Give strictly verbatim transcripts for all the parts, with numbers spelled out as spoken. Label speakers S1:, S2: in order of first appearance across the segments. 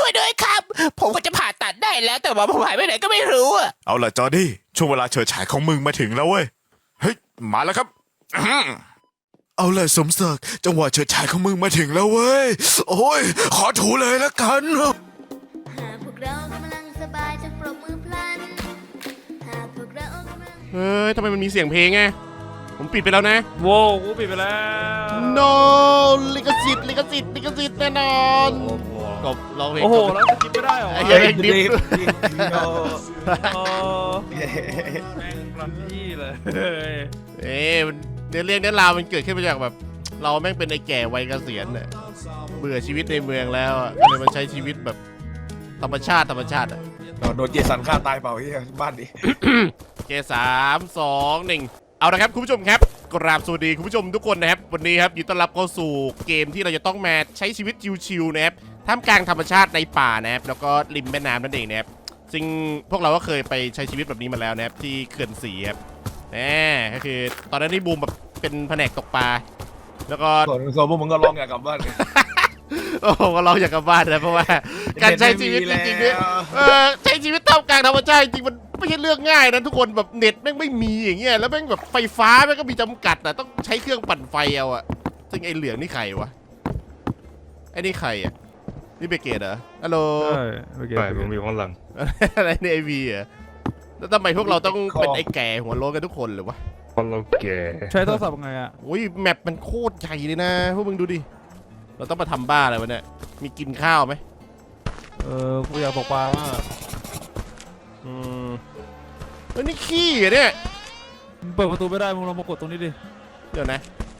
S1: ช่วยด้วยครับผมก็จะผ่าตัดได้แล้วแต่ว่าผมหายไปไหนก็ไม่รู้อะ
S2: เอาล่ะจอร์ดี้ช่วงเวลาเฉิดฉายของมึงมาถึงแล้วเว้ยเฮ้ยมาแล้วครับ เอาล่ะสมศักดิ์จังหวะเฉิดฉายของมึงมาถึงแล้วเว้ยโอ้ยขอถูเลยละกัน
S3: หากพวกเรากำลังสบายจะปรบมือพลันหากพวกเรากำลัง
S4: เฮ้ยทำไมมันมีเสียงเพลงไงผมปิดไปแล้วนะ
S5: โว้กูปิดไปแล้ว
S4: no ลิขสิทธิ์ลิขสิทธิ์ลิขสิทธิ์แน่นอนกบร้องเพลง
S5: โอ้โหแล้วจะคิดไม่ได้เหรอ
S4: ไอ้เหี้ยเพลงดิฟ
S5: โอ้แม่งรันที่เลย
S4: เอ๊ะมันเนื้อเรื่องเนื้อราวมันเกิดขึ้นมาจากแบบ เราแม่งเป็นไอ้แก่วัยเกษียณเนี่ยเบื่อชีวิตในเมืองแล้วอะก็เลยมาใช้ชีวิตแบบธรรมชาติธรรมชาติอะ
S6: โดนเจสันฆ่าตายเปล่าที่บ้านดิ
S4: เกสามสองหนึ่งเอาละครับคุณผู้ชมครับกราบสวัสดีคุณผู้ชมทุกคนนะครับวันนี้ครับยินดีต้อนรับเข้าสู่เกมที่เราจะต้องมาใช้ชีวิตชิวๆนะครับท่ามกลางธรรมชาติในป่านะครับแล้วก็ริมแม่น้ำนั่นเองนะครับซึ่งพวกเราก็เคยไปใช้ชีวิตแบบนี้มาแล้วนะครับที่เขื่อนศรีครับแหมก็คือตอนนั้นที่บูมแบบเป็นแผนกตกปลาแล้วก็
S6: ส่วนส่วนพวกมึงก็ร้องอยากกลับบ้านกัน
S4: โอ้โหก็เราอยากกลับบ้านนะเพราะว่าการใช้ชีวิตจริงๆเนี่ยเออใช้ชีวิตท่ามกลางธรรมชาติจริงๆมันไม่ใช่เรื่องง่ายนะทุกคนแบบเน็ตแม่งไม่มีอย่างเงี้ยแล้วแม่งแบบไฟฟ้าแม่งก็มีจำกัดนะต้องใช้เครื่องปั่นไฟเอาอะซึ่งไอ้เหลืองนี่ใครวะไอ้นี่ใครอะนี่เบเกตเหรอฮัลโหล
S5: ใช่โอเค
S7: ไปผมอยู่ข้างหลัง
S4: อะไรในไอวีอะแล้วทำไมพวกเราต้องเป็นไอ้แก่หัวโล้นกันทุกคนหรือวะ
S7: เพราะเราแก่
S5: ใช้โทรศัพท์ไงอ่ะ
S4: อุ้ยแมปมันโคตรใหญ่เลยนะพวกมึงดูดิเราต้องมาทำบ้าอะไรวะเนี่ยมีกินข้าวไหม
S5: เออกูอยากตกปลามาก
S4: อืมเฮ้ยนี่ขี้เหรอเนี่ย
S5: มึงเปิดประตูไม่ได้มึงลองมากดตรงนี้ดิ
S4: เดี๋ยวนะ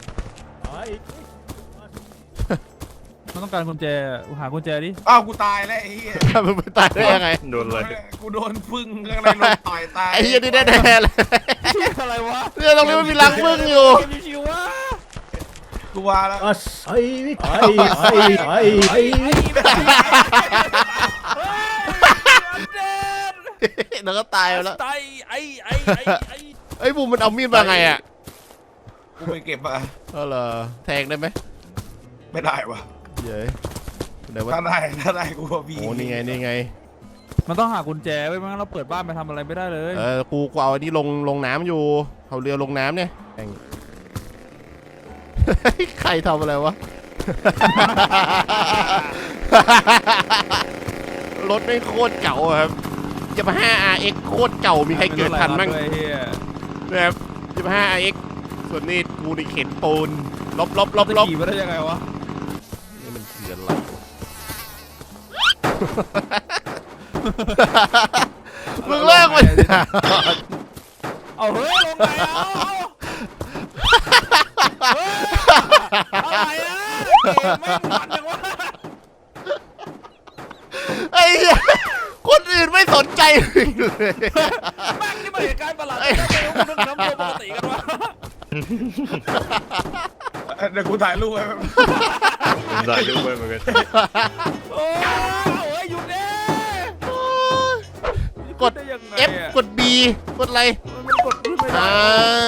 S5: มันต้องการกุญแจหากุญแจดิ
S6: อ้าวกูตายแล้วไอ้เหี้ย
S4: มึงไปตายได้ยังไง
S7: โดนเลย
S6: กูโดนพึ่งข้างในโดนต่อยตาย
S4: ไอ้เหี้ยนี่แน่ๆเลย
S5: อะไรวะ
S4: เนี่ยตรงนี้มันมีรังผึ้งอยู่
S5: เกมชิวๆวะ
S6: กูว่าแล้ว
S8: あっはいはいはいはいはい
S4: แล้วก็ตายไปแล้ว
S5: ไตไอ้ไอ้ไอ้ไอ้
S4: ไอ้บูมมันเอามีดมาไงอ่ะ
S6: กูไปเก็บมา
S4: เออเหรอแทงได้ไหม
S6: ไม่ได้วะ
S4: เย้ยไหนวะ
S6: ถ้าได้ถ้าได้กูก็บี
S4: โอ้นี่ไงนี่ไง
S5: มันต้องหากุญแจไว้ไม่งั้นเราเปิดบ้านไปทำอะไรไม่ได้เลย
S4: เออกูกูเอาอันนี้ลงลงน้ำอยู่เอาเรือลงน้ำเนี่ยแม่ง ใครทำอะไรวะ รถไม่งโคตรเก่าอะครับยามาฮ่า อาร์ เอ็กซ์ โคตรเก่ามีใครเกิดทันบ้าง
S5: ด้วยเฮีย
S4: นะครับยามาฮ่า อาร์ เอ็กซ์ ส่วนนี้กูนี่เข็นปูนลบลบลบ
S5: จะ
S4: ลบ
S5: ขี่มาได้ยังไงวะ
S4: นี่มันคืออะไรมึงเลิกมัน
S5: เอาเฮ้ยลงไปเอาเฮ้ยอะไรอะเกมแม่งมันจังวะ
S4: ไอ้เหี้ยคนอื่นไม่สนใจเลย
S5: แม่งนี่มันเหตุการณ์ประหลาดไม่รู้มันน้ำตัวปกติกันวะ
S6: เดี๋ยวกูถ่ายรูปไว้
S7: ผมได้รู้ไว้เหมือนกัน
S5: โอ้ยหยุดเด้
S4: กด F กด B กดอะไร
S5: มันกดขึ้นไม่ได้
S4: อ่า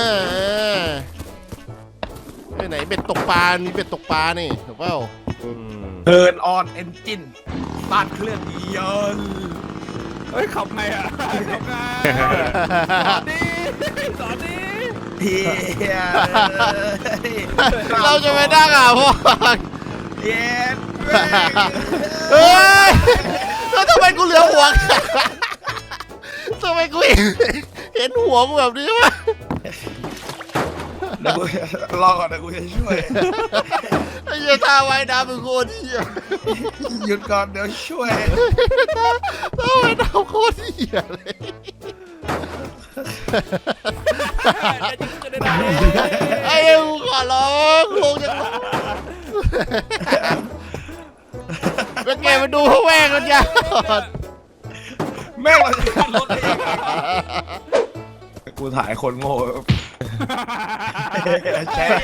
S4: ไปไหนเบ็ดตกปลา มีเบ็ดตกปลานี่ถูกเปล่าอืม
S6: เทิร์นออนเอนจินสตาร์ทเครื่องยนต์
S5: เฮ้ยขับไงอ่ะขับไงสอนดิสอนดิ
S6: เฮีย
S4: เราจะไปนั่งอ่ะพ่อ
S6: เย็น
S4: เฮ้ยแล้วทำไมกูเหลือหัวทำไมกูเห็นเห็นหัวกูแบบนี้วะ
S6: เดี๋ยวกูรอก่อนเดี๋ยวกูจะช่วย
S4: ไอ้เหี้ยท่าว่ายน้ำเป็นโคตรเหี้ย
S6: หยุดก่อนเดี๋ยวช่วย
S4: ท่าท่าว่ายน้ำโคตรเหี้ยเลยไอ้เอ็งขอร้องลงจากรถเป็นไงมาดูพวกแม่งกันยัง
S6: แม่งเราจะขึ้นรถได้ยังไงกูถ่ายคนโง่แชร์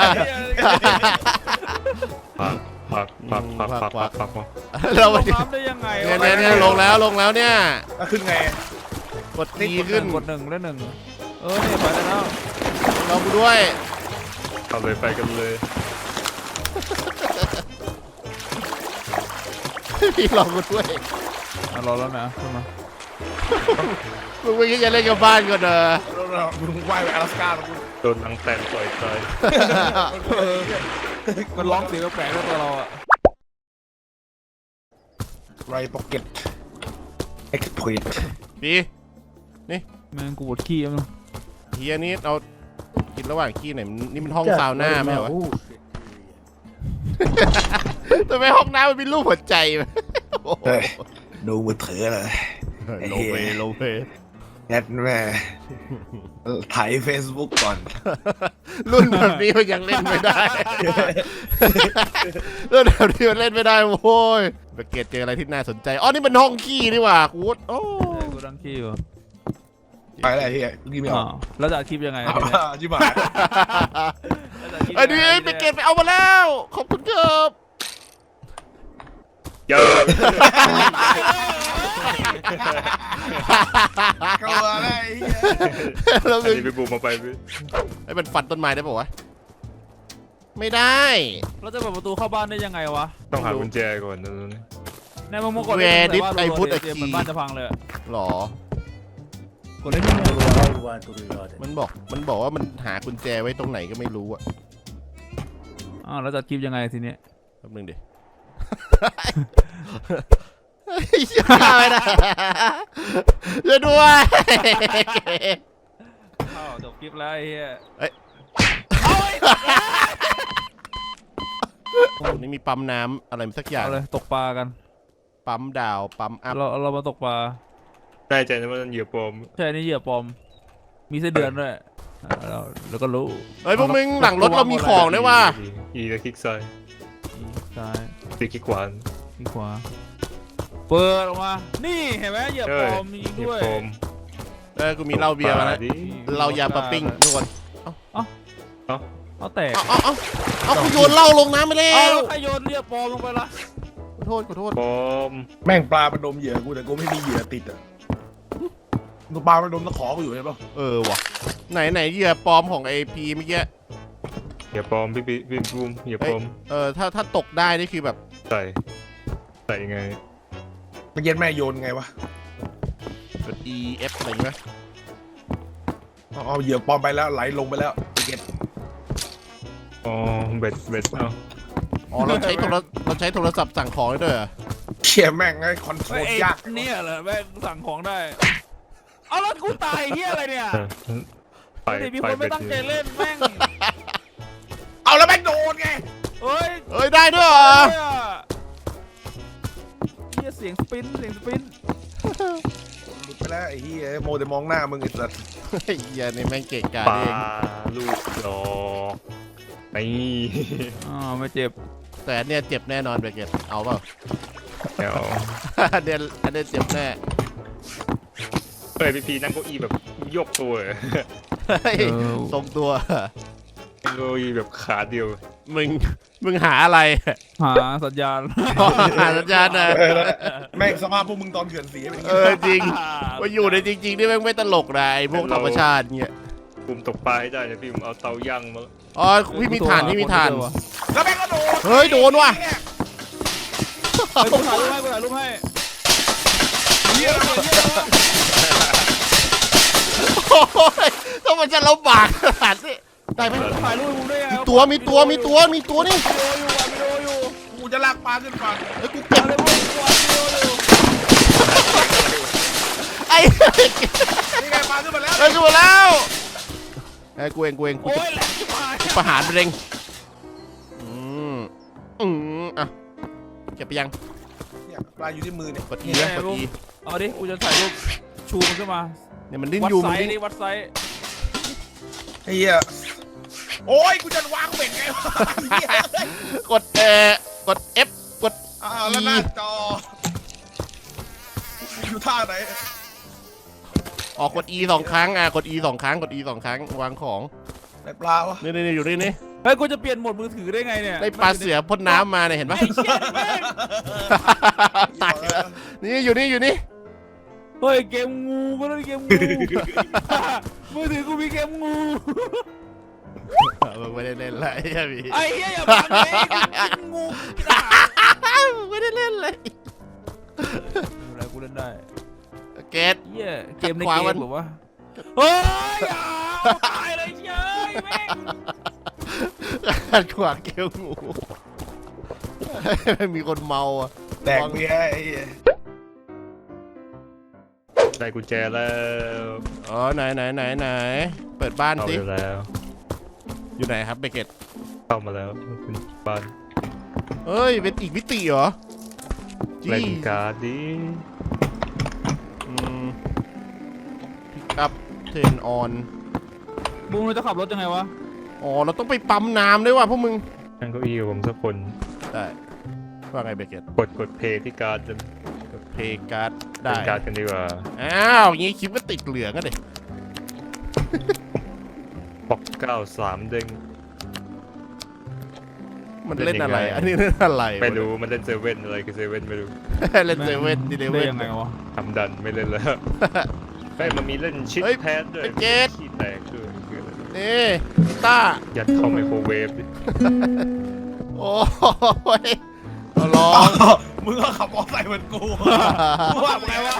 S7: พักพักพักพักพักพักพักพัก
S4: เรา
S5: ล
S4: มาง
S5: น้ำได้ยังไง
S4: เนี่ยเนี่ยเนี่ยลงแล้วลงแล้วเนี่ย
S6: แล้วขึ้นไง
S4: กดทีขึ้น
S5: กดหนึ่งแล้วหนึ่งเออเนี่ยไปแล้ว
S4: เรากูด้วย
S7: เอาเลยไปกันเลย
S4: พี่รอกูด้วย
S5: อ่ะรอแล้วนะขึ้นมา
S4: มึงไม่คิดจะเล่นกับบ้านก่อนเด้อ
S6: เรามึงว่ายไป阿拉斯加แล้วกู
S7: โดนนังแตนต่อยตาย
S5: มันร้องเสียงแปลกๆแล้วตัวเราอ่ะ
S6: ไรพ็อกเก็ตเอ็กซ์พอยต์
S4: พี่
S5: แม่งกูปวดขี้แล้วมึง
S4: เฮียนี่เรากินระหว่างขี้ไหนอยมันนี่มันห้องซาวน่าไหมวะทำไมห้องน้ำมันมีรูปหัวใจวะ
S6: เฮ้ยดูมือถือเลย
S4: โลเวโลเว
S6: แอดแม่ถ่ายเฟซบุ๊กก่อน
S4: รุ่นแบบนี้มันยังเล่นไม่ได้ รุ่นแบบนี้มันเล่นไม่ได้โว้ยไปเกตเจออะไรที่น่าสนใจอ๋อนี่มันห้องขี้นี่หว่ากูดโอ้
S5: เออกูดังขี้อยู่
S6: ไปอะไรที่ยี่ไม่อ
S5: อ้า
S6: อก
S5: วแล้วจะอัดคลิปยังไง
S6: เอา
S5: ทีเนี้ย
S6: จิ๋มหาย
S4: ไอ้นี่ไปเกตไปเอามาแล้วขอบคุณครับ
S7: เยอะ
S6: กลัวอะไรไอ้เหี้ย
S4: แล้ว
S7: อันนี้ไปบูมมาไปพี่
S4: ไอ้มันฟันต้นไม้ได้ป่าวะไม่ได้
S5: เราจะเปิดประตูเข้าบ้านได้ยังไงวะ
S7: ต้องหากุญแจก่อนนะ
S5: ในมึงมากด
S4: Where
S5: เลย
S4: did
S5: ว่า
S4: I
S5: รัว
S4: put
S5: ๆ
S4: a
S5: เตรียม
S4: key
S5: เหมือนบ้านจะพังเลยอะ
S4: หรอ
S5: กดเล่นที่ไหน
S4: มันบอกมันบอกว่ามันหากุญแจไว้ตรงไหนก็ไม่รู้อะ
S5: อ้าวแล้วจะอัดคลิปยังไงทีเนี้ย
S4: แป๊บนึงดิ ฆ่าไม่ได้ช่วยด้วย
S5: อ้าวจบคลิปแล้วไอ้เหี้ย
S4: ตรงนี้มีปั๊มน้ำอะไรสักอย่าง
S5: เอาเลยตกปลากัน
S4: ปั๊มดาวปั๊มอัพ
S5: เราเรามาตกปลา
S7: แน่ใจนะว่ามันเหยื่อปลอม
S5: ใช่นี่เหยื่อปลอมมีไส้เดือนด้วยอ่าเราเราก็รู้
S4: เฮ้ยพวกมึงหลังรถเรามีของด้วยว่ะ
S7: อีแล้วคลิกซ้าย
S5: ซ้าย
S7: ตีคลิกขวา
S5: ที่ขวาเปิดออกมานี่เห็นไหมเหยื่อปลอมมี
S7: เหยื่อ
S5: ด้วย
S7: ปลอม
S4: เออกูมีเหล้าเบียร์มาแล้ว
S7: ดิ
S4: เรายาปะปิ้งทุกคน
S5: เอาแตก
S4: เอาเอาเอาเอากูโยนเหล้าลงน้ำไปแล้
S5: เอา
S4: ว
S5: แล้วใครโยนเหยื่อปลอมลงไปละ
S4: ขอโทษขอโทษ
S7: ปลอม
S6: แม่งปลามันดมเหยื่อกูแต่กูไม่มีเหยื่อติดอ่ะดูปลามันดมตะขอกูอยู่ใช่ปะ
S4: เออว่ะไหนไหนเหยื่อปลอมของไอพีเมื่อกี้
S7: เหยื่อปลอมพี่พี่พี่บูมเหยื่อปลอม
S4: เออถ้าถ้าตกได้นี่คือแบบ
S7: ใส่ใส่ไง
S6: เมื่อกี้แม่โยนไงวะ
S4: กด E F อะไรอย่างเงี้ย
S6: เอาเอาเหยื่อปลอมไปแล้วไหลลงไปแล้วไอ้เก็ต
S7: อ๋อเบ็ดเบ็ดเอ้า
S4: อ๋อเราใช้โทรเราใช้โทรศัพท์สั่งของได้ด้วยเหรอ
S6: เขี่ยแม่งไงคอนโทร
S5: ไอ้
S6: ล
S5: ไอ้
S6: ยาก
S5: เนี่ยเหรอแม่งสั่งของได้เอาแล้วกูตายเหี้ยอะไรเนี่ย
S7: ไป
S5: เดี๋ยวมี
S7: ไป
S5: คนไม่
S7: เบ็ด
S5: ตั้งใจเล่นแม่ง
S6: เอาแล้วแม่งโดนไง
S5: เฮ้ย
S4: เอ้ยได้ด้วยเหรอ
S5: เฮียเสียงสปินเสียงสปิน
S6: หลุดไปแล้วไอ้เหี้ยโมแต่มองหน้ามึงไอ้สัส
S4: ไอ้เหี้ยนี่แม่งเก่งกาจ
S7: ปลา
S4: เอง
S7: ลูกดอกนี่
S5: อ๋อไม่เจ็บ
S4: แต่อันเนี้ยเจ็บแน่นอนเบเกตเอาเปล่า
S7: เดี๋ยว
S4: อันเนี้ยอันเนี้ยเจ็บแน่
S7: เฮ้ยพี่พีนั่งเก้าอี้แบบยกตัวเลย
S4: เฮ้ยทรงตัว
S7: นั่งเก้าอี้แบบขาเดียว
S4: มึงมึงหาอะไร
S5: หาสัญญาณ
S4: หาสัญญาณนะ
S6: เออแล้วแม่งสภาพพวกมึงตอนเขื่อนสีเป็นอย่าง
S4: เอ
S6: งี้
S4: อจริงว่าอยู่ในจริงๆนี่แม่งไม่ตลกนะไอ้พวกธรรมชาติเงี้ย
S7: บูมตกปลาให้ได้นะพี่บูมเอาเตาย่างมา
S4: อ๋อพี่มีฐานพี่มีฐาน
S6: แล้วแม่งก็โดน
S4: เฮ้ยโดนว่ะ
S5: เฮ้ยกูถ่ายรูปให้กูถ่ายรูปให้
S6: เหี้ย
S4: โอ้ยต้องมันจะลำบากขนาดนี้ได้ไหม
S5: ถ่ายรูปให้กูด้วยไง
S4: มีตัวมีตัวมีตัวมีตัวนี่
S5: วิดีโออยู่อ่ะวิดีโออยู่
S6: กูจะลากปลาขึ้นฝั่ง
S4: ไอ้ยกูเก็บ
S5: ถ่ายรูปให้กูอ่ะวิดีโออยู่
S4: ไอ้
S6: นี่ไงปลาขึ้นมาแล้ว
S4: ไอ้ยกูมาแล้วไอ้ยกูเองกูเองกู
S5: โอ้
S4: จะ
S5: ยแหลกชิบหาย
S4: ประหารไปเองอืมอืมอ่ะเก็บไปยัง
S6: เนี่ยปลาอยู่ที่มือเนี่ย
S4: กด E นะกด E
S5: เอาดิกูจะถ่ายรูปชูมันขึ้นมา
S4: เนี่ยมันดิ้น
S5: วัด
S4: อยู่
S5: ไซ
S4: มัน
S5: ส์
S4: ดิ้น
S5: ดิวัดไซส์
S6: ไอ้เหี้ยโอ้ยกูจะวางเบ็ดไงวะไอ้เหี้ย
S4: กดเอ่อกด F กด
S6: อ้าวแล้วหน้าจออยู่ท่าไหน
S4: ออกกด E สองครั้งอ่ะกด E สองครั้งกด E สองครั้งวางของ
S6: ไหนปลาวะ
S4: นี่นี่นี่อยู่นี่นี่
S5: เฮ้ยกูจะเปลี่ยนโหมดมือถือได้ไงเนี่ย
S4: ได้ปลาเสือพ่นน้ำมาเนี่ยเห็นปะ
S5: ไอ้เชี่ยแม่ง
S4: ตายแล้วนี่อยู่นี่อยู่นี่
S5: เฮ้ยเกมงูก็ต้องเกมงู มือถือกูมีเกมงู
S4: มึงไม่ได้เล่นเลยไอ้พี่
S5: ไอ้เหี้ยอย่าบังเลยกูกินงูกินอาหาร
S4: มึงไม่ได้เล่นเลย
S5: ได้
S4: เกต
S5: เหี้ยเกมใน
S4: ขวา
S5: เก
S4: มั
S5: ม
S4: น
S5: แบบว่าเฮ้ยอย่าตายเลยเจ้ยแม่ง
S4: ขัดขวางเกลงูมีคนเมาอ่ะ
S6: แดกเบียร์ไอ้เหี้ย
S7: ได้กุญแจแล้ว
S4: อ๋อไหนไหนไหนไหนเปิดบ้าน
S7: เข้า
S4: สิ
S7: ไปแล้ว
S4: อยู่ไหนครับเบเกต
S7: เข้ามาแล้วคุณบ้าน
S4: เอ้ยเป็นอีกมิติเหรอ
S7: เล่นการ์ดดิ
S4: อืมพิกอัพเทนออน
S5: บูมเราจะขับรถยังไงวะ
S4: อ๋อเราต้องไปปั๊มน้ำด้วยว่ะพวกมึง
S7: นั่งเก้าอี้กับผมสักคน
S4: ได้ว่าไงเบเกต
S7: กดกดเพย์ที่การ์ดจะ
S4: เพย์การ์ด
S7: เล่
S4: ได้
S7: นการ์ดกันดีกว่า
S4: อ้าวอย่างงี้คลิปก็ติดเหลืองอะเด็
S7: ปอกเก้าสามเด้ง
S4: มันเล่นอะไร
S7: เล่นยังไง
S4: อันนี้เล่นอะไร
S7: ไม่รู้มันเล่นเซเว่นอะไรคือเซเว่นไม่รู้
S4: เล่นเซเว่นดีเล
S5: ได้
S4: เว่น
S5: ยังไงวะ
S7: ทำดันไม่เล่นแล้วไอ้ยมันมีเล่นชิด
S4: เฮ้ย
S7: แพดด้วย
S4: ไอ้เจด
S7: ขี้แตกด้วยคืออะไร
S4: นี่กีต้าร์
S7: ยัดเข้าไมโครเวฟดิ
S4: โอ้ยเอาลอง
S6: มึงก็ขับมอเตอร์ไซค์เหมือนกูกูว่าไงวะ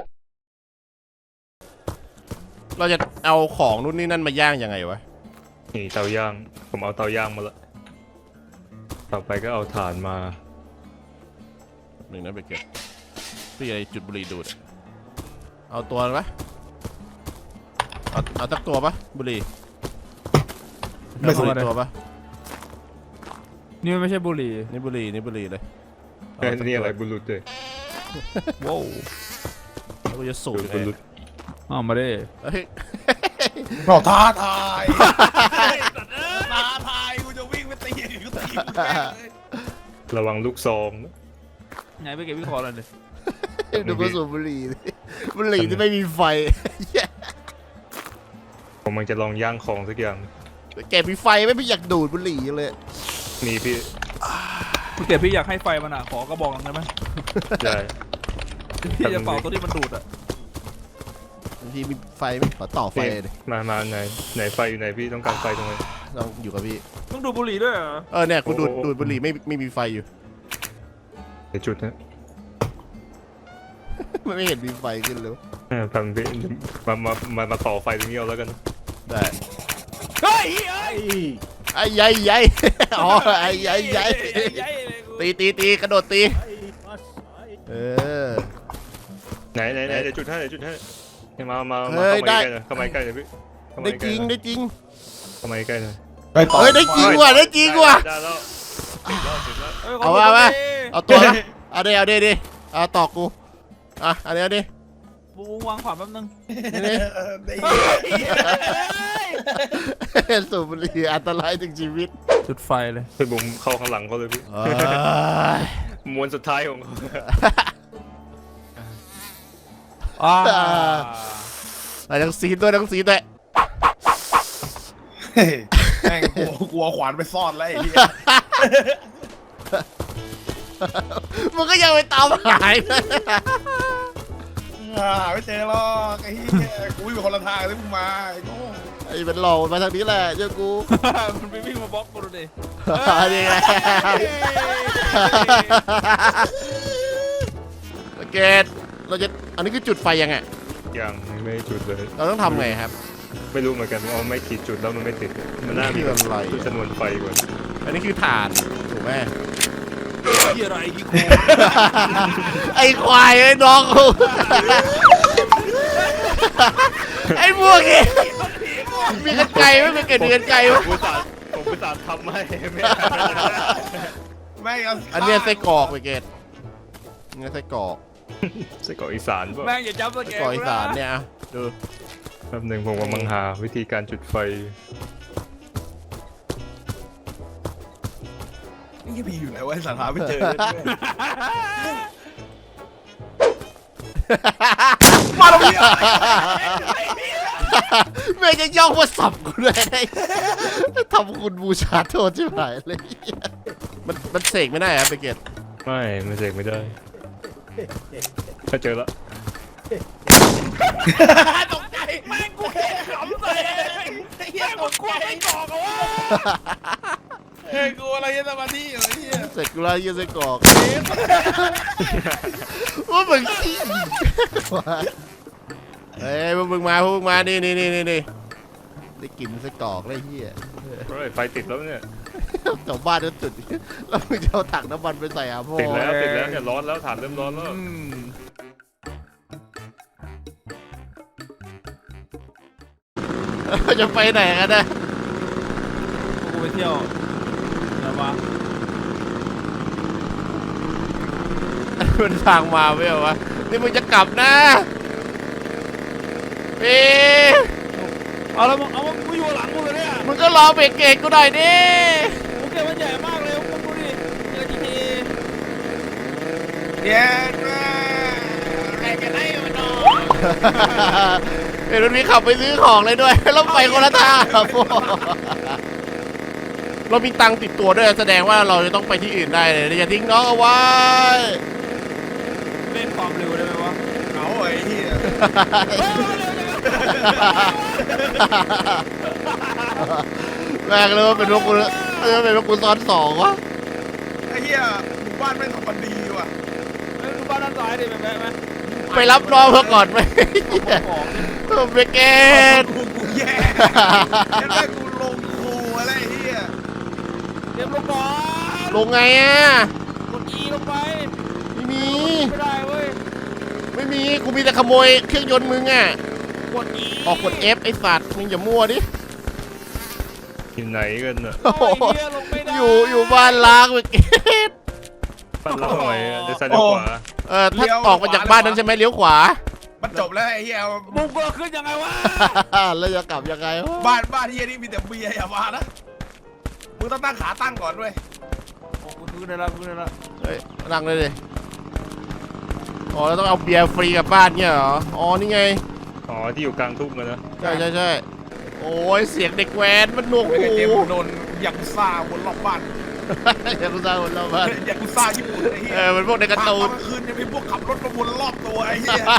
S4: เราจะเอาของนู่นนี่นั่นมาย่างยังไงวะ
S7: นี่เตาย่างผมเอาเตาย่างมาละต่อไปก็เอาถ่านมา
S4: หนึ่งนะเบเกตพี่อะไรจุดบุหรี่ดูดอะเอาตัวปะเอาเอาตักตัวปะบุหรี่
S6: ไม่สน
S4: เอาบุหรี่ตัวปะ
S5: นี่มันไม่ใช่บุหรี่
S4: นี่บุหรี่นี่บุหรี่เลย
S7: เอ้ยนี่อะไรบุรุษเลย
S4: ว้าวแล้วกูจะสูบยังไง
S7: บุรุษ
S5: อ้าวมาดิ
S4: เฮ้ย
S6: เราท้าทายท้าทายกูจะวิ่งไปตีกูตีมึงแม่งเลย
S7: ระวังลูกซองนะ
S5: ไงไปเก็บพี่คอเลยดิ
S4: ดูกูสูบบุหรี่ดิบุหรี่ที่ไม่มีไฟ
S7: ผมมันจะลองย่างของสักอย่าง
S4: แกมีไฟไหม่พี่อยากดูดบุหรี่เลย
S7: นี่พี่
S5: พี่เก็บพี่อยากให้ไฟมันอ่ะขอกระบอกหนึงได้ไหม
S7: ได้
S5: พี่จะเป่าตัวที่มันดูดอ่ะ
S4: บางทีมีไฟไหมขอต่อไฟ
S7: นี่
S4: เลย
S7: มามาไหนไหนไฟอยู่ไหนพี่ต้องการไฟตรงไหน
S4: เราอยู่กับพี่
S5: ต้องดูดบุหรี่ด้วยเหรอ
S4: เออเนี่ยกูดูด
S7: โอ้โห
S4: ดูดบุหรี่ไม่ไม่มีไฟอยู่
S7: เดี๋ยวจุดนะ
S4: มันไม่เห็นมีไฟขึ้นเลย
S7: เออทำพี่มามามามาต่อไฟตรงนี้เอาแล้วกัน
S4: ได้
S5: เฮ้ยเฮ้ย
S8: ไอ้
S4: ไอ้ใหญ่ใหญ่ อ๋อไอ้ใหญ่ใหญ่
S5: ใหญ่เลยกู
S4: ตีตีตีกระโดดตี
S8: ไอ้ปัสไอ้
S4: เออ
S7: ไหนไหนไหนเดี๋ยวจุดให้เดี๋ยวจุดให้ให้มามา
S4: เฮ้
S7: มาย เข้ามา
S4: ได้
S7: ใกล้หน่อยเข้ามาใกล้หน่อยพี่เข้ามา
S4: ได้
S7: ใก
S4: จ
S7: ล้
S4: ริง
S7: หน่อย
S4: ได้จริง
S7: เข้ามาใกล้หน่อย
S6: ไปต่อ
S4: เฮ้ยได้จริงว่ะได้จริงว่ะ
S7: ได้แล้วติดแล้วติดแล้ว
S5: ฮ้ยข
S4: เอา
S5: ดู
S4: มา
S5: บุห
S4: มา
S5: รี่
S4: เอาตัวนะเอาเดี๋ยวเอาเดี๋ยวดิเอาตอกกูอ่ะเอาเดี๋ยวดิ
S5: บูมวางขวานแป๊บนึง
S4: นี่
S6: เออได้
S4: นี่สูบบุหรี่อันตรายถึงชีวิต
S5: จุดไฟเลย
S7: ไปบุมเข้าข้างหลังเขาเลยพี่
S4: เอ้ย
S7: มวนสุดท้ายของเขา
S5: อ่า
S4: อะไรทั้งซีนด้วยทั้งซีนด้วย
S6: เฮ้ยแม่งกลัวกลัวขวานไปซ่อนแล้วไอ้เหี้ย
S4: มึงก็ยังไปตามหายนะ
S6: หาไม่เจอหรอกไอ้เหี้ยกูวิ่งไปคนละทางเลยมึงมาไอ้โง่
S4: ไอ้เป็นหลอกมาทางนี้แหละเจ้ากู
S5: มันไปวิ่งมาบล็อกกูดูดิ
S4: นี่ไงเกตเราจะอันนี้คือจุดไฟยังไง
S7: ยังไม่จุดเลย
S4: เราต้องทำไงครับ
S7: ไม่รู้เหมือนกันว่าเอาไม่ขีดจุดแล้วมันไม่ติดมันน่ามี
S4: นี่มันอะไร
S7: ชนวนไฟกว่า
S4: อันนี้คือถ่านถูกไหม
S5: ที่อะไรที่โค
S4: ไอ้ควายไอ้น้องกูไอ้พวกนี้มีกันไกลไหมมีเกิดมีกันไกลไหม
S7: ผมอุตส่าห์ผมอุตส่าห์ทำให้ไม่
S6: แม่งเอา
S4: อันเนี้ยไส้กรอกไปเกตนี่ไส้กรอก
S7: ใช่เกาะอีสานป่ะ
S5: แม่งอย่าจับส
S4: ไส้
S5: แก
S4: กรอกอีสานเนี่ยอ่ะดู
S7: แป๊บหนึ่งผมกำลังหาวิธีการจุดไฟ
S6: นี่พี่อยู่ไหนวะไอ้สัตว์หาไม่เจอ
S4: มาตรงนี้แม่งจะย่องมาสับกูเลยทำคุณบูชาโทษชิบหายเลยมันมันเสกไม่ได้ครับไปเกต
S7: ไม่มันเสกไม่ได้ถ้าเจอแล้ว
S6: ตกใจแม่งกูแค่ขำเลยไอ้เหี้ยตกใจไม่บอกอะวะเฮ้ยกูอะไรยังสมาธิอยู่ไอ้เหี้ย
S4: เสร็จกูแล้วยืนใส่กรอกว่ามึงขี้เฮ้ยพวกมึงมาพวกมึงมานี่นี่นี่นี่นี่ได้กลิ่นใส่กรอกเลยเฮีย
S7: เฮ้ยไฟติดแล้วเนี่ย
S4: แถวบ้านก็จุดแล้วมึงจะเอาถังน้ำมันไปใส่อาพ่อ
S7: ติดแล้วติดแล้วเนี่ยร้อนแล้วถ่านเริ่มร้อนแล้ว
S4: อืมจะไปไหนกันนะ
S5: กูไปเที่ยวเดี๋ยวมา
S4: มันทางมาไม่เหรอวะนี่มึงจะกลับนะพี่
S5: เอาแล้วมึงเอามึงกูอยู่หลังกูเลยเนี่ย
S4: มึงก็รอเบรกเกตกูหน่อยดิ
S5: กูเก็บมันใหญ่มากเลยมึงดูดิเจอจีที
S6: เดี๋ยวนะใครจะได้มันนอน
S4: เห็นมันมีขับไปซื้อของเลยด้วยแล้วไปคนละทางครับพ่อเรามีตังค์ติดตัวด้วยแสดงว่าเราจะต้องไปที่อื่นได้เลยอย่าทิ้งน้องเอาไว้
S5: เล่นความเร็วได้ไหมวะ
S6: เอาไอ้เหี้ย
S4: แม่งเลยว่าเป็นพวกกูเออเป็นพวกกูซ้อนสองวะ
S6: ไอ้เหี้ยหมู่บ้านไม่ทำมันดีว่ะ
S5: เฮ้ยดูบ้านด้านซ้ายดิแม่แม่
S4: ไปรับน้องเพื่อก่อนไหม
S5: ของ
S4: เบรกเกต
S6: กูกูแย่ยังไงกูลงครูอะไรไอ้เหี้ย
S5: เก็บลงก่อน
S4: ลงไงอ่ะ
S5: กด E ลงไป
S4: ไม่มี
S5: ไม่ได้เว้ย
S4: ไม่มีกูมีแต่ขโมยเครื่องยนต์มึงอ่ะ
S5: กด E
S4: ออกกด F ไอ้สัตว์มึงอย่ามั่วดิ
S7: ที่ไหนกันน่ะ
S5: โอ้ยเหี้ยลงไม่ได้
S4: อยู่อยู่บ้านล้างเบรกเกต
S7: บ้านเราหน่อยเดี๋ยวซ้ายเดี๋ยวขวา
S4: เออถ้าออกมาจากบ้านนั้นใช่ไหมเลี้ยวขวา
S6: มันจบแล้วไอ้เหี้ย
S5: มึงเบิกขึ้นยังไงวะ
S4: แล้วจะกลับยังไงวะ
S6: บ้านบ้านเหี้ยนี่มีแต่เบียร์อย่ามานะมึงต้องตั้งขาตั้งก่อนด้วย
S5: โอ้กูขึ้นได้แล้วขึ้นได้แล้ว
S4: เฮ้ยนั่งเลยดิอ๋อเราต้องเอาเบียร์ฟรีกลับบ้านเนี่ยเหรออ๋อนี่ไง
S7: อ๋อที่อยู่กลางทุ่งกันนะ
S4: ใช่ใช่ใช่โอ้ยเสียงเด็กแว้นมันหนวก
S6: ไม่
S4: หู
S6: เคยเจมโดนยากุซ่าบนรอบบ้าน
S4: อย่ากูสร้างคนเราบ้าน
S6: ยากุซ่าญี่ปุ่นไอ้เหี้
S4: เอย อมันพวกในการ์ตูน
S6: ตอนกลางคืนจะมีพวกขับรถมาวนรอบตัวไอ้เหี้ย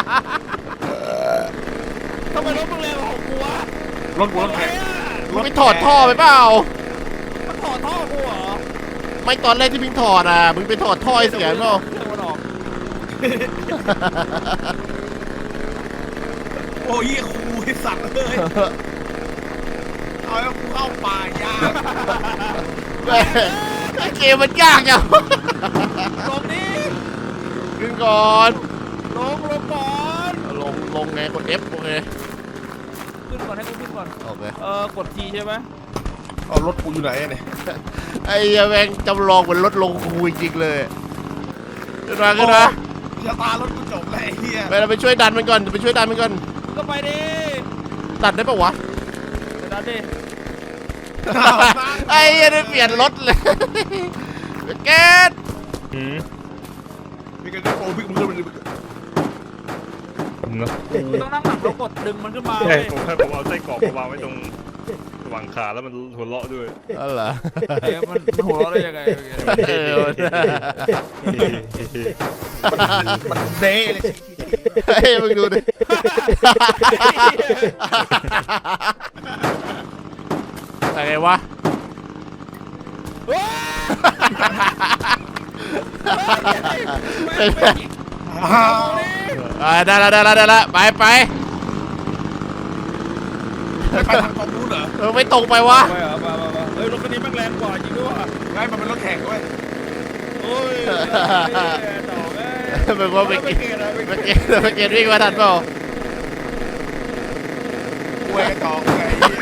S5: ทำไมรถมึงเร็วกว่าของกูวะ
S6: รถกูรถแข่ง
S4: มึงไปถอดท่อไปเปล่า
S5: มันถอดท่อกูเหรอ
S4: ไม่ตอนแรกที่พิงถอดอ่ะมึงไปถอดท่อไอ้เสียงเปล่า
S5: ตะวันออก
S6: โอ้ยครูไอ้สัตว์เลยเอาแล้วกูเข้าป่ายาก
S4: แม่ไอ้เกมมันยากจัง
S5: ลงนี่
S4: ขึ้นก่อน
S5: ลงลงก่อน
S4: ลงลงไงกด F โอเค
S5: ขึ้นก่อนให้กูขึ้นก่อน
S4: โอเค
S5: เออกด T ใช่ไหม
S6: เอารถกูอยู่ไหนเนี่ย
S4: ไอ้เหี้ยแม่งจำลองเหมือนรถลงคูจริงๆเลยขึ้นมาขึ้นมา
S6: ชะตารถกูจบแล้วไอ้เหี้ย
S4: ไปเราไปช่วยดันมันก่อนไปช่วยดันมันก่อน
S5: มึงก็ไปดิ
S4: ดันได้ปะวะ
S5: เดี๋ยวดันดิ
S4: ไอ้เหี้ยได้เปลี่ยนรถเลยเกต
S7: อืม
S6: มีกันจะโปรพิกมึงเลย
S7: ผมเนาะ
S5: มึงต้องนั่งหลังแล้วกดดึงมันขึ้นมา
S7: ใช่
S5: เว้ย
S7: ผมให้ผมเอาไส้กรอกมาวางไว้ตรงหว่างขาแล้วมันหัวเราะด้วย
S4: อ๋อเหรอ
S5: เอ้ยมันมันหัวเราะได้ยังไง
S4: เออ
S6: มันเด้เลย
S4: เฮ้ยมึงดูดิอะไรวะ
S6: อ้าว
S4: อ่าได้ละได้ละได้ละไปไป
S6: ไม่ไปทางตรงนู้นเหรอ
S4: เออไม่ตรงไปวะ
S5: ไปเหรอไปไปไปเฮ้ยรถคันนี้แม่งแรงกว่าจริงด้วยว่ะ
S6: ไงมันเป็นรถแข่งเว้ย
S5: โอ้ยต่อแม่
S4: มึงว่าไป
S5: ไม่
S4: เก
S5: เก
S4: ต
S5: ตอะไม่
S4: ไป
S5: เก
S4: เก
S5: ต
S4: ตไปเกตวิ่งมาทันเปล่า
S6: กูไอ้ต่อไง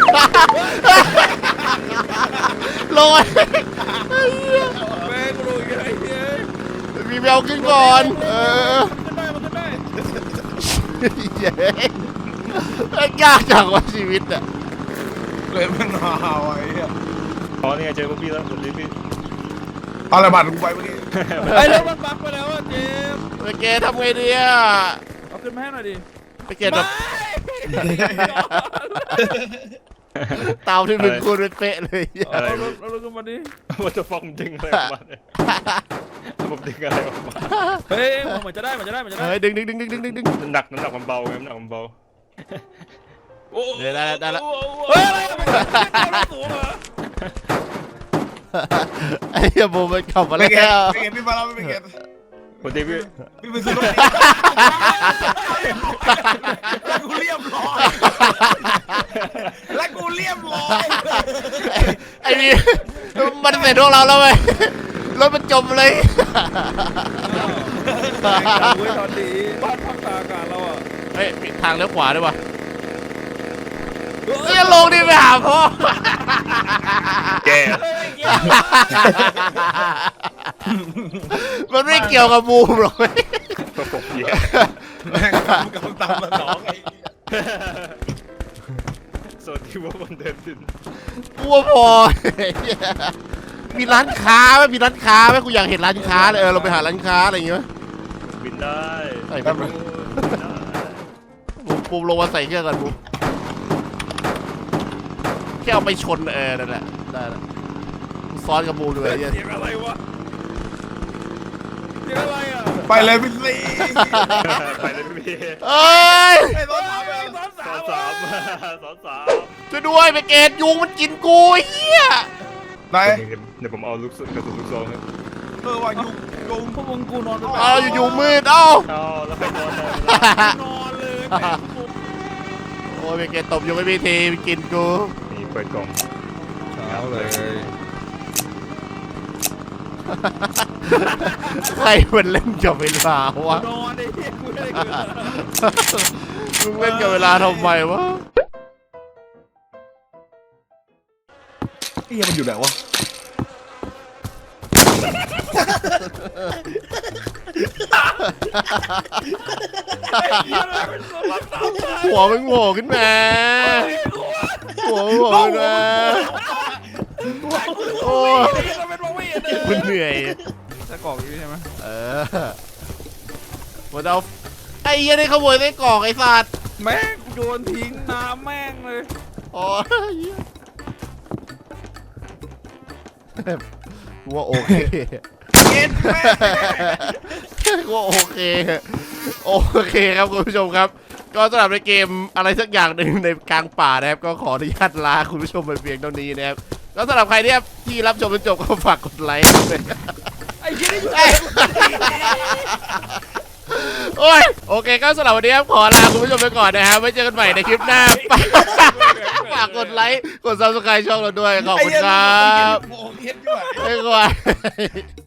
S4: ลอย
S5: แม่กูรู้ยังไงเนี่ย
S4: มีแววขึ้นก่อน เออ
S5: มันขึ้นได้มันขึ้นได้
S4: เย้ยากจังวะชีวิตอ่ะ
S6: เลยมันหาวไอ้เหี้ย
S7: อ๋อนี่ไงเจอพวกพี่แล้วสวัสดีพี่
S6: เอาอะไรบัตรกูไปเมื่อกี้
S5: ไอ้เรื่องมันบักไปแล้วอ่ะเจมส์
S4: ไปเกตทำไงดีอ่ะ
S5: เอาขึ้นมาให้หน่อยดิ
S4: ไปเกตแบบเตาที่มึงคูณเป็นเป๊ะเลย
S5: เอารถเอารถขึ้นมาดิ
S7: ว่าจะฟ้องดึงอะไรออกมาเนี่ยผมดึงอะไรออกมา
S5: เฮ้ยเหมือนจะได้เหมือนจะได้เหมือนจะได้
S4: เฮ้ยดึงดึงดึงดึงดึงดึงดึง
S7: น้ำหนักน้ำหนักมันเบาไงน้ำหนักมันเบา
S5: โอ้
S4: เดี๋ยวได้แล้วได้แล้ว
S5: เฮ้ยอะไรมันสูงเหรอ
S4: ไอ้เหี้ยบูมมันขับมา
S6: ไม่
S4: แล้
S6: เก็ต
S4: ว
S6: ไม่เก็ตพี่มาแล้วไม่เก็ต
S7: พอดีพี่
S6: พี่ไปซื้อรถเองแล้วกูเรียบร้อยแล้วกูเรียบร้อย
S4: ไอ้นี่มันเสร็จพวกเราแล้วเว้ยรถมันจมเลย
S5: เว้ยตอนนี้บ้านพักตากอากาศเราอ่ะ
S4: เฮ้ยมีทางเลี้ยวขวาด้วยวะเฮ้ยลงดิไปหาพ่อ
S6: แก
S4: มันไม่เกี่ยวกับบูมหรอกเว้ย
S7: ก็ผมเหี้ย
S6: แม่งทำกับตามมาสองไอ้
S7: สวัสดีว่าวันเดินดิน
S4: กลัวพอมีร้านค้าไหมมีร้านค้าไหมกูอยากเห็นร้านค้าเลยเออเราไปหาร้านค้าอะไรอย่างเงี้ย
S7: บินได้
S4: ใส่แบบบูมปูมลงมาใส่เครื่องกันบูมแค่เอาไปชนเออนั่นแหละได้แล้วซ้อนกับบูมด้วยไอ้เหี้ย
S5: เสียงอะไรวะเสียงอะไรอ่ะ
S6: ไปเลยพี่ซี
S7: ไปเลยพี่
S4: เอ้ย
S6: ไอ้รถทำ
S5: เฮ้
S6: เอย ง
S5: สอน
S7: ส
S5: สา
S7: อ
S5: ม
S7: งสาม
S5: ว่ะ
S7: สองสาม
S4: ช่วยด้วยไปเกตยุงมันกินกูไอ้เหี้ย
S6: ไหน
S7: เดี๋ยวผมเอาลูกกระสุนลูกซองครับ
S6: เออว่ายุงยุง
S5: พวกมึงกูนอนไป
S4: เอาอยู่ๆมืดเอ้า
S7: เอาแล้วไปนอนเลย
S5: นอนเลยแม่งกู
S4: โอ้ยไปเกตตบยุงไม่มีทีไปกินกู
S7: นี่เปิดกล่อง
S6: เอาเลย
S4: ใครมันเล่นกับเวลาวะ
S5: นอนไอ้เหี้ยกูไม่ได้เกิด
S4: มึงเล่นกับเวลาทำไมวะ
S6: ไอ้เหี้ยมันอยู่ไหนวะ
S4: หัวมึงโผล่ขึ้นมาหัวมึงโผล่ขึ้นมาโอ้ย
S5: ไอ้เหี้ยเราเป็นมองไม่เห็นเลย
S4: คุณเหนื่อย
S5: จะกรอกอยู่ใช่ไหม
S4: เออหมดเอาไอ้เหี้ยนี่ขโมยไส้กรอกไอ้สัตว์
S5: แม่งกูโยนทิ้งน้ำแม่งเลย
S4: โอ้ยกูว่าโอเค
S6: เก็ตแม่
S4: กูว่าโอเคโอเคครับคุณผู้ชมครับ ก็สำหรับในเกมอะไรสักอย่างหนึ่งในกลางป่านะครับก็ขออนุญาตลาคุณผู้ชมไปเพียงเท่านี้นะครับแล้วสำหรับใครที่ที่รับชมจนจบก็ฝากกดไลค์ด้วย
S5: ไอ้เหี้ยนี่อยู่
S4: เอ้ยโอ้ยโอเคก็สำหรับวันนี้ครับขอลาคุณผู้ชมไปก่อนนะครับไว้เจอกันใหม่ในคลิปหน้า ฝากกดไลค์กดซับสไครต์ช่องเราด้วยขอบคุณครับ
S6: โอ้เก็ตด้วย
S4: บ๊ายบาย